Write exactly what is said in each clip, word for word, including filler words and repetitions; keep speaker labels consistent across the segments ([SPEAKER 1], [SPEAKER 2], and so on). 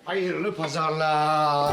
[SPEAKER 1] Hayırlı pazarlar.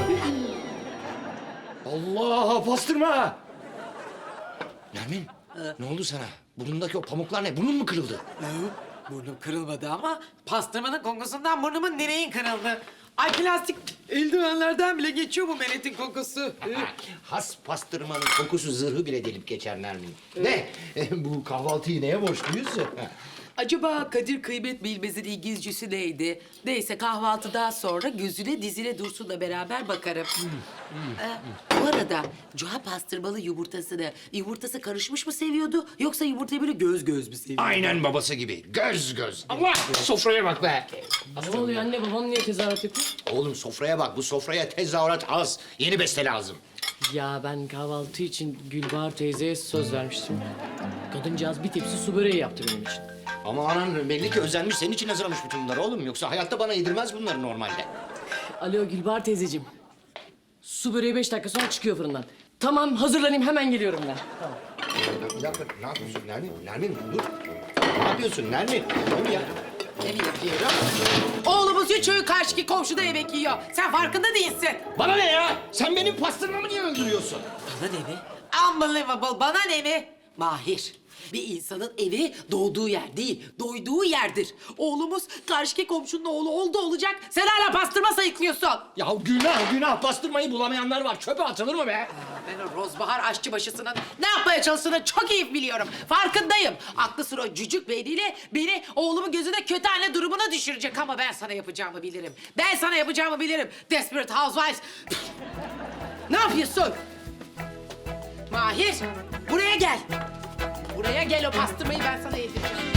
[SPEAKER 1] Allah, pastırma. Nermin, ne oldu sana? Burnundaki o pamuklar ne? Burnun mu kırıldı?
[SPEAKER 2] Burnum kırılmadı ama pastırmanın kokusundan burnumun direğin kırıldı. Ay plastik eldivenlerden bile geçiyor bu meletin kokusu.
[SPEAKER 1] Has pastırmanın kokusu zırhı bile delip geçer Nermin. Ne? E, bu kahvaltıyı neye borçluyuz?
[SPEAKER 3] Acaba Kadir Kıymet Bilmez'in İngilizcesi neydi? Neyse kahvaltıdan sonra gözüne dizine Dursun'la beraber bakarım. Ee, bu arada Cuha pastırmalı yumurtasını yumurtası karışmış mı seviyordu yoksa yumurtayı böyle göz göz mü seviyordu?
[SPEAKER 1] Aynen babası gibi. Göz göz. Allah! Sofraya bak be.
[SPEAKER 4] Ne oluyor anne? Babam niye tezahürat yapıyor?
[SPEAKER 1] Oğlum sofraya bak. Bu sofraya tezahürat az. Yeni beste lazım.
[SPEAKER 4] Ya ben kahvaltı için Gülbahar teyzeye söz vermiştim. Kadıncağız bir tepsi su böreği yaptı benim için.
[SPEAKER 1] Ama anan belli ki özenmiş. Senin için hazırlamış bütün bunları oğlum. Yoksa hayatta bana yedirmez bunları normalde.
[SPEAKER 4] Alo Gülbahar teyzeciğim. Su böreği beş dakika sonra çıkıyor fırından. Tamam hazırlanayım hemen geliyorum ben. Tamam.
[SPEAKER 1] Bir dakika. Ne yapıyorsun Nermin? Nermin dur. Ne yapıyorsun Nermin? Dur ya.
[SPEAKER 2] Ne mi yapıyorum? Oğlumuz üç öğün karşıki komşuda yemek yiyor. Sen farkında değilsin.
[SPEAKER 1] Bana ne ya? Sen benim pastırmamı niye öldürüyorsun?
[SPEAKER 2] Bana ne mi? Unbelievable. Bana ne mi? Mahir. Bir insanın evi doğduğu yer değil, doyduğu yerdir. Oğlumuz karşıki komşunun oğlu oldu olacak. Sen hala pastırma sayıklıyorsun.
[SPEAKER 1] Ya günah günah pastırmayı bulamayanlar var. Çöpe atılır mı be?
[SPEAKER 2] Ben o Rozbahar aşçıbaşısının ne yapmaya çalıştığını çok iyi biliyorum. Farkındayım. Aklı sıra o cücük beyniyle beni oğlumun gözünde kötü anne durumuna düşürecek. Ama ben sana yapacağımı bilirim. Ben sana yapacağımı bilirim. Desperate Housewives. Ne yapıyorsun? Mahir, buraya gel. Buraya gel, o pastırmayı ben sana yedireceğim.